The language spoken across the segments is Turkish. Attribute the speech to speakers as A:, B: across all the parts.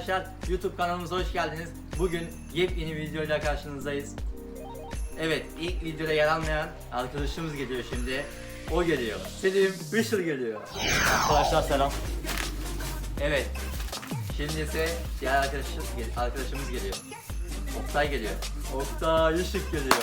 A: arkadaşlar, YouTube kanalımıza hoş geldiniz. Bugün yepyeni videoyla karşınızdayız. Evet, ilk videoda yer almayan arkadaşımız geliyor şimdi. O geliyor. Selim Işıl geliyor.
B: Arkadaşlar selam.
A: Evet. Şimdi ise diğer arkadaşımız geliyor. Oktay geliyor. Oktay Işık geliyor.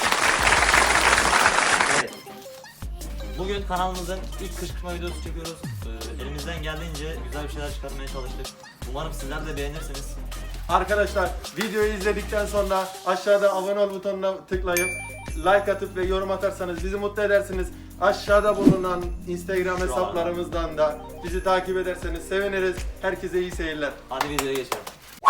A: Evet.
B: Bugün kanalımızın ilk kışkırtma videosu çekiyoruz. Elimizden geldiğince güzel bir şeyler çıkartmaya çalıştık. Umarım sizler de beğenirsiniz.
C: Arkadaşlar videoyu izledikten sonra aşağıda abone ol butonuna tıklayıp like atıp ve yorum atarsanız bizi mutlu edersiniz. Aşağıda bulunan Instagram hesaplarımızdan da bizi takip ederseniz seviniriz. Herkese iyi seyirler.
B: Hadi videoya geçelim.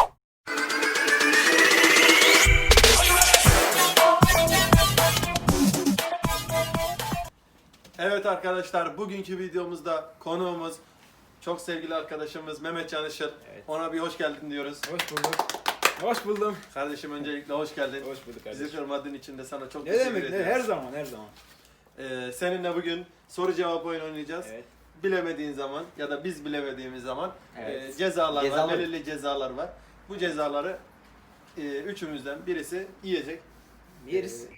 C: Evet arkadaşlar, bugünkü videomuzda konuğumuz çok sevgili arkadaşımız Mehmet Can Işıl.
D: Evet.
C: Ona bir hoş geldin diyoruz.
D: Hoş bulduk. Hoş buldum.
C: Kardeşim öncelikle hoş geldin.
D: Hoş bulduk kardeşim.
C: Bizi kırmadığın için de sana çok
D: Ne
C: teşekkür
D: demek?
C: ediyoruz.
D: Her zaman, her zaman.
C: Seninle bugün soru cevap oyunu oynayacağız.
D: Evet.
C: Bilemediğin zaman ya da biz bilemediğimiz zaman
D: Evet.
C: cezalar var,
A: Cezalar.
C: belirli cezalar var. Bu cezaları üçümüzden birisi yiyecek.
D: Yeriz.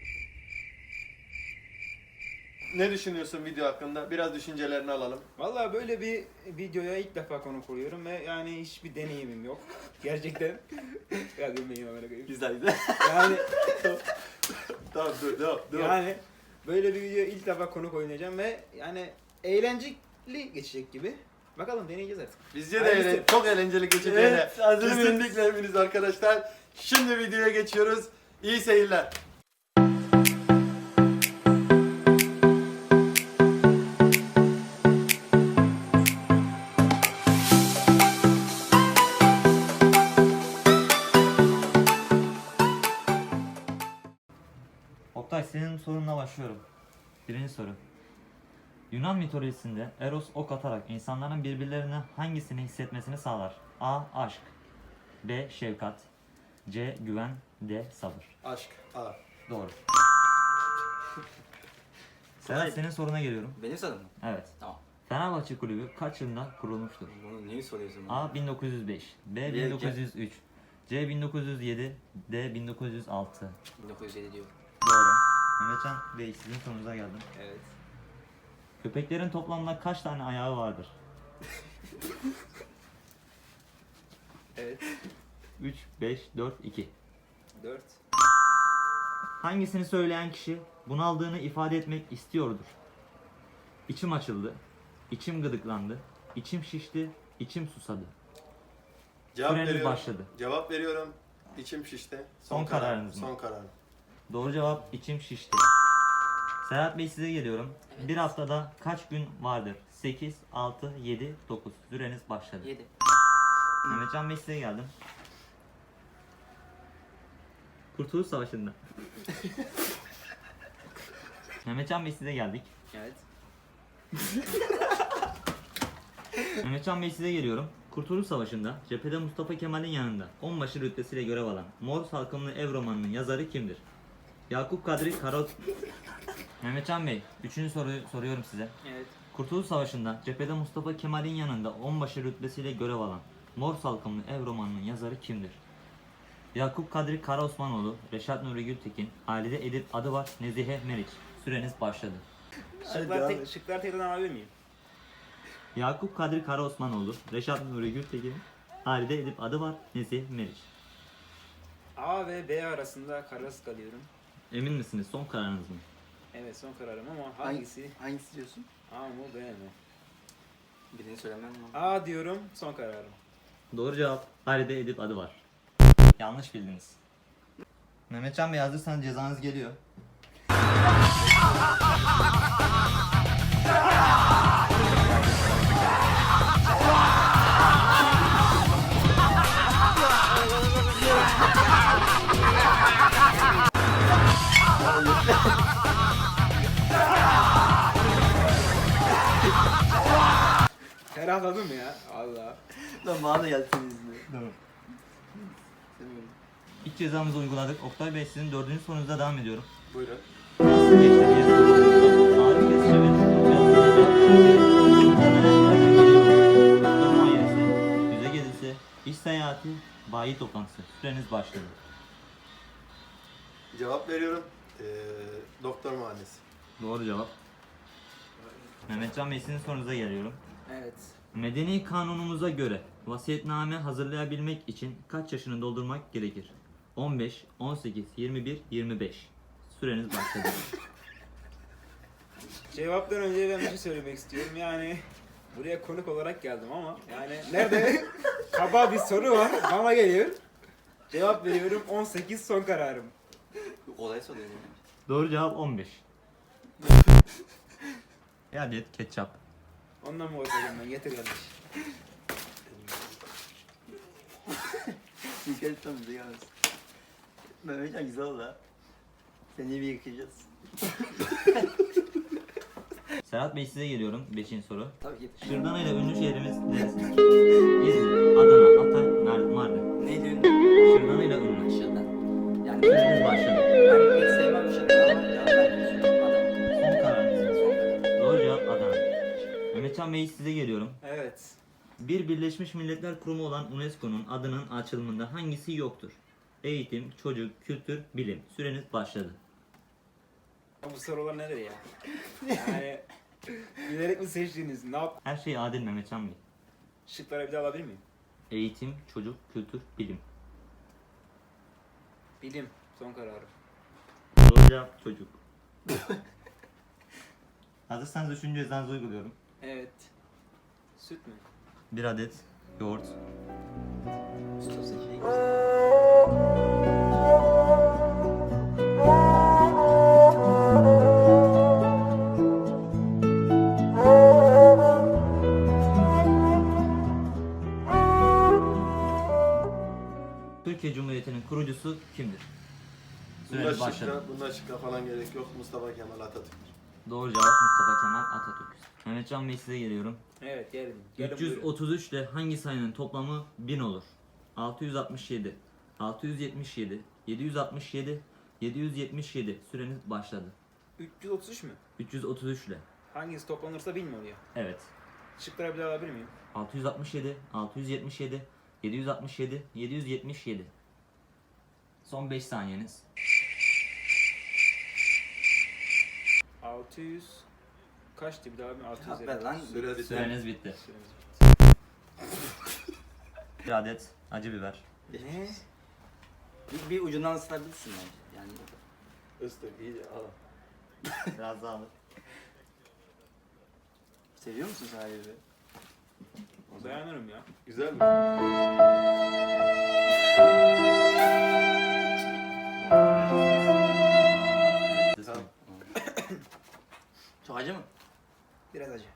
C: Ne düşünüyorsun video hakkında? Biraz düşüncelerini alalım.
D: Vallahi böyle bir videoya ilk defa konuk oluyorum ve yani hiçbir deneyimim yok. Gerçekten. Ya gülmeyin amına koyayım.
A: Güzel güzel.
D: Yani
C: Tamam dur devam.
D: yani böyle bir videoya ilk defa konuk oynayacağım ve yani eğlenceli geçecek gibi. Bakalım deneyeceğiz artık.
C: Bizce de
D: Hayırlısı.
C: çok eğlenceli geçeceğine
A: Evet, hazır mıyız?
C: kesinlikle eminiz arkadaşlar. Şimdi videoya geçiyoruz. İyi seyirler.
B: Oktay, senin sorunla başlıyorum. Birinci soru. Yunan mitolojisinde Eros ok atarak insanların birbirlerine hangisini hissetmesini sağlar? A. Aşk. B. Şefkat. C. Güven. D. Sabır.
C: Aşk. A.
B: Doğru. Serhat, senin soruna geliyorum.
A: Benim sorum mu?
B: Evet.
A: Tamam.
B: Fenerbahçe Kulübü kaç yılında kurulmuştur?
A: Bunu neyi soruyorsun bana?
B: A. 1905. B.
A: Bir-
B: 1903. C. 1907. D. 1906.
A: 1907 diyor.
B: Doğru. Mehmetcan Bey, sizin sorunuza geldim.
D: Evet.
B: Köpeklerin toplamda kaç tane ayağı vardır?
D: Evet.
B: 3, 5, 4, 2.
D: 4.
B: Hangisini söyleyen kişi bunaldığını ifade etmek istiyordur? İçim açıldı, içim gıdıklandı, içim şişti, içim susadı.
C: Cevap
B: Süreniz
C: veriyorum.
B: başladı.
C: Cevap veriyorum. İçim şişti.
B: Son kararınız mı?
C: Son kararım.
B: Doğru cevap içim şişti. Serhat Bey, size geliyorum.
A: Evet.
B: Bir haftada kaç gün vardır? 8, 6, 7, 9. Süreniz başladı.
A: 7.
B: Mehmetcan Bey, size geldim. Kurtuluş Savaşı'nda. Mehmetcan Bey, size geldik.
A: Evet.
B: Mehmetcan Bey, size geliyorum. Kurtuluş Savaşı'nda cephede Mustafa Kemal'in yanında onbaşı rütbesiyle görev alan Mor Salkımlı Ev romanının yazarı kimdir? Yakup Kadri Kara... Mehmetcan Bey, üçüncü soruyu soruyorum size.
D: Evet.
B: Kurtuluş Savaşı'nda cephede Mustafa Kemal'in yanında onbaşı rütbesiyle görev alan Mor Salkımlı Ev romanının yazarı kimdir? Yakup Kadri Karaosmanoğlu, Reşat Nuri Gültekin, Halide Edip Adıvar, Nezihe Meriç. Süreniz başladı.
D: Şıklar tekrardan alabilir miyim?
B: Yakup Kadri Karaosmanoğlu, Reşat Nuri Gültekin, Halide Edip Adıvar, Nezihe Meriç.
D: A ve B arasında kararsız kalıyorum.
B: Emin misiniz? Son kararınız mı?
D: Evet, son kararım ama hangisi?
A: Hangisi diyorsun?
D: A mı B mi?
A: Birini söylemem mi?
D: A diyorum, son kararım.
B: Doğru cevap Halide Edip Adıvar. Yanlış bildiniz. Mehmetcan Bey, hazırsanız cezanız geliyor.
D: Ferahladım ya. Allah.
A: Lan bana da geldi senin yüzünden.
B: Tamam.
A: Seviyorum.
B: İlk cezamızı uyguladık. Oktay Bey, sizin dördüncü sorunuzda devam ediyorum.
C: Buyurun.
B: Nasıl geçti diye soruyorsunuz. Ağrı kesici ve Mustafa Ailesi, Yüze Gezisi, İş seyahati, bayi toplantısı. Süreniz başladı.
C: Cevap veriyorum. Doktor mühendisi.
B: Doğru cevap. Mehmetcan Bey, sizin sorunuza geliyorum.
D: Evet.
B: Medeni kanunumuza göre vasiyetname hazırlayabilmek için kaç yaşını doldurmak gerekir? 15, 18, 21, 25. Süreniz başladı.
D: Cevaptan önce ben bir şey söylemek istiyorum. Yani buraya konuk olarak geldim ama yani nerede kaba bir soru var bana geliyor. Cevap veriyorum 18 son kararım.
A: Kolay soruyor.
B: Doğru cevap 15. Bir adet ketçap.
D: Ondan mı oturayım ben? Getir kardeş.
A: Dikkat tam bize gelmez. Mehmetcan güzel oldu ha. Seni bir yıkayacağız.
B: Serhat Bey, size geliyorum. 5. soru.
A: Tabii ki.
B: Şırdana ile ünlü şehrimiz neresidir? İzmir, Adana, Hatay, Mardin.
A: Neydi ünlü?
B: Şırdana ile ünlü.
A: Şırdan. Yani
B: Süreniz başladı.
A: ben pek sevmem şırdan ama cevap vermek istiyorum. Adam.
B: Son kararınız mı?
A: Son karar.
B: Doğru cevap Adana. Mehmetcan Bey, size geliyorum.
D: Evet.
B: Bir Birleşmiş Milletler Kurumu olan UNESCO'nun adının açılımında hangisi yoktur? Eğitim, çocuk, kültür, bilim. Süreniz başladı.
D: Bu sorular nedir ya? Yani bilerek mi seçtiniz? Ne yap?
B: Her şey adil Mehmetcan Bey.
D: Şıkları bir daha alabilir miyim?
B: Eğitim, çocuk, kültür, bilim.
D: Bilim. Son kararım.
B: Doğru cevap çocuk. Hazırsanız 3. cezanızı uyguluyorum.
D: Evet. Süt mü?
B: 1 adet yoğurt.
A: Usta seçeneği.
B: Türkiye Cumhuriyeti'nin kurucusu kimdir? Süreniz başladı.
C: Bunda şıkla falan gerek yok. Mustafa Kemal Atatürk.
B: Doğru cevap Mustafa Kemal Atatürk. Mehmetcan Bey, size geliyorum.
D: Evet geldim. Gelin buyurun.
B: 333 ile hangi sayının toplamı 1000 olur? 667, 677, 767, 777. Süreniz başladı.
D: 333 mü?
B: 333 ile.
D: Hangisi toplanırsa 1000 mi oluyor?
B: Evet.
D: Şıkları bir daha alabilir miyim?
B: 667, 677, 767, 777. Son 5 saniyeniz.
D: 600 kaçtı bir daha mı? 600
A: Cevap ver lan.
C: Süre biter.
B: Süreniz bitti. Bir adet acı biber.
D: Ne?
A: Bir ucundan ısırabilirsin bence. Yani
C: Istık iyice al.
B: Biraz daha alır.
A: seviyor musun sen ayrı?
D: Dayanırım ya.
C: Güzel mi? Tamam.
A: Çok acı mı?
D: Biraz acı.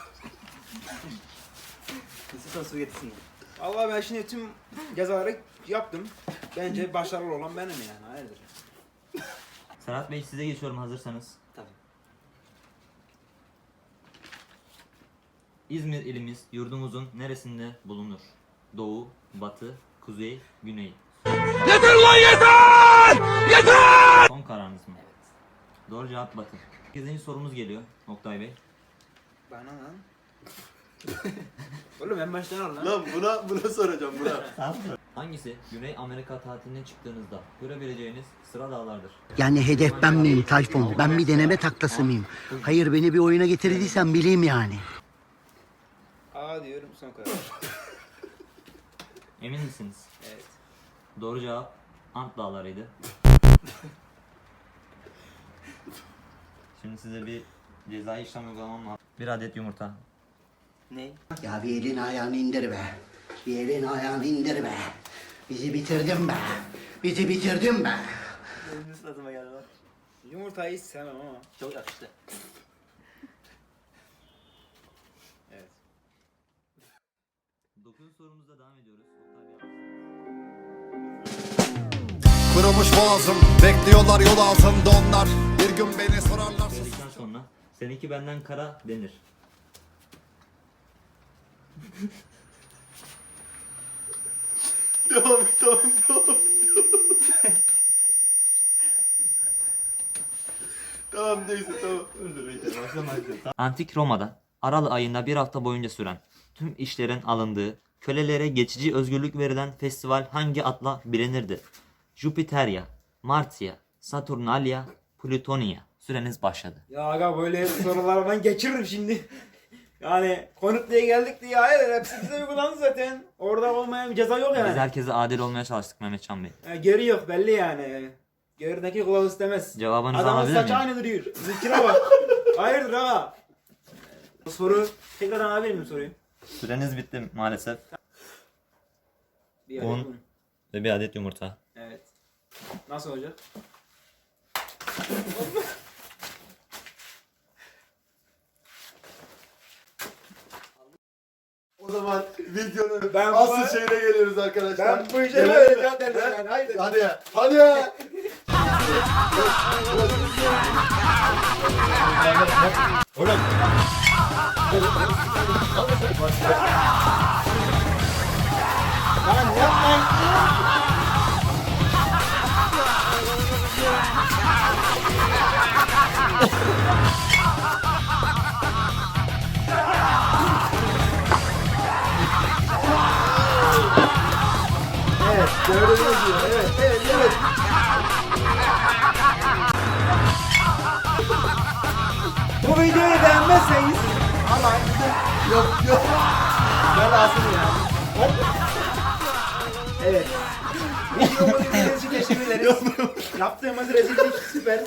A: Nasıl su getirsin?
D: Allah ben şimdi tüm cezaları yaptım. Bence başarılı olan benim yani. Hayırdır?
B: Serhat Bey, size geçiyorum hazırsanız.
A: Tabii.
B: İzmir ilimiz yurdumuzun neresinde bulunur? Doğu, batı, kuzey, güney. Yeter lan yeter! Yeter! Son kararınız mı?
A: Evet.
B: Doğru cevap batı. 8. sorumuz geliyor Oktay Bey.
D: Bana lan. Oğlum en baştan al lan.
C: Lan buna soracağım buna.
B: Hangisi Güney Amerika tatiline çıktığınızda görebileceğiniz sıra dağlardır?
E: Yani hedef ben miyim Tayfun? Ben bir deneme taklası mıyım? Hayır beni bir oyuna getirdiysen bileyim yani.
D: A diyorum son karar.
B: Emin misiniz?
D: Evet.
B: Doğru cevap Ant Dağları'ydı. Şimdi size bir cezai işlem uygulamam lazım. 1 adet yumurta.
A: Ne?
E: Ya bir elin ayağını indir be. Bir elin ayağını indir be. Bizi bitirdin be. Bizi bitirdin be.
A: Benim suratıma geldi lan.
D: Yumurtayı hiç sevmem ama.
A: Çok yakıştı.
D: Evet.
B: 9. sorumuzda devam ediyoruz. Oktay Bey.
F: Kırılmış boğazım, bekliyorlar yol altında onlar. Bir gün beni sorarlar.
B: Söyledikten sonra seninki benden kara denir.
C: Tamam. Tamam neyse tamam.
B: Antik Roma'da Aralık ayında bir hafta boyunca süren tüm işlerin alındığı Kölelere geçici özgürlük verilen festival hangi adla bilinirdi? Jupiteria, Martia, Saturnalia, Plutonia. Süreniz başladı.
D: Ya aga böyle sorular ben geçiririm şimdi. Yani konuk diye geldik diye hayır hepsi bize uygulandı zaten. Orada olmayan bir ceza yok
B: Biz
D: yani.
B: herkese adil olmaya çalıştık Mehmetcan Bey.
D: Geri yok belli yani. Gerideki kılavuz istemez.
B: Cevabınızı
D: Adamın
B: alabilir
D: saçı
B: miyim?
D: aynı duruyor. Bizimkine bak. Hayırdır ha? Bu soru tekrardan alabilir miyim soruyu?
B: Süreniz bitti maalesef.
D: Bir
B: On.
D: adet mi?
B: Ve bir adet yumurta.
D: Evet. Nasıl olacak?
C: O zaman videonun
D: Ben bu-
C: asıl şeyine geliyoruz arkadaşlar.
D: Ben bu işe
C: Gelelim
D: böyle
C: mi?
D: cevap verdim yani. Haydi.
C: Hadi. Hadi.
D: Lan yapmayın.
C: Evet. Gördüğünüz gibi. Evet. Evet. Evet.
D: Bu videoyu beğenmezseniz
C: Yok yok.
D: belasını yani. Evet. Videomu izlediğiniz için teşekkür ederiz. Yaptığımız rezillik süper.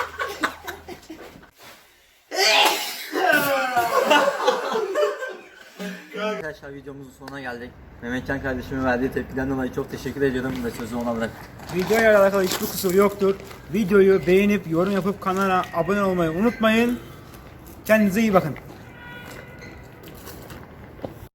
A: Arkadaşlar videomuzun sonuna geldik. Mehmetcan kardeşimin verdiği tepkiden dolayı çok teşekkür ediyorum ve sözü ona bırak.
D: Videoyla alakalı hiçbir kusur yoktur. Videoyu beğenip yorum yapıp kanala abone olmayı unutmayın. Kendinize iyi bakın.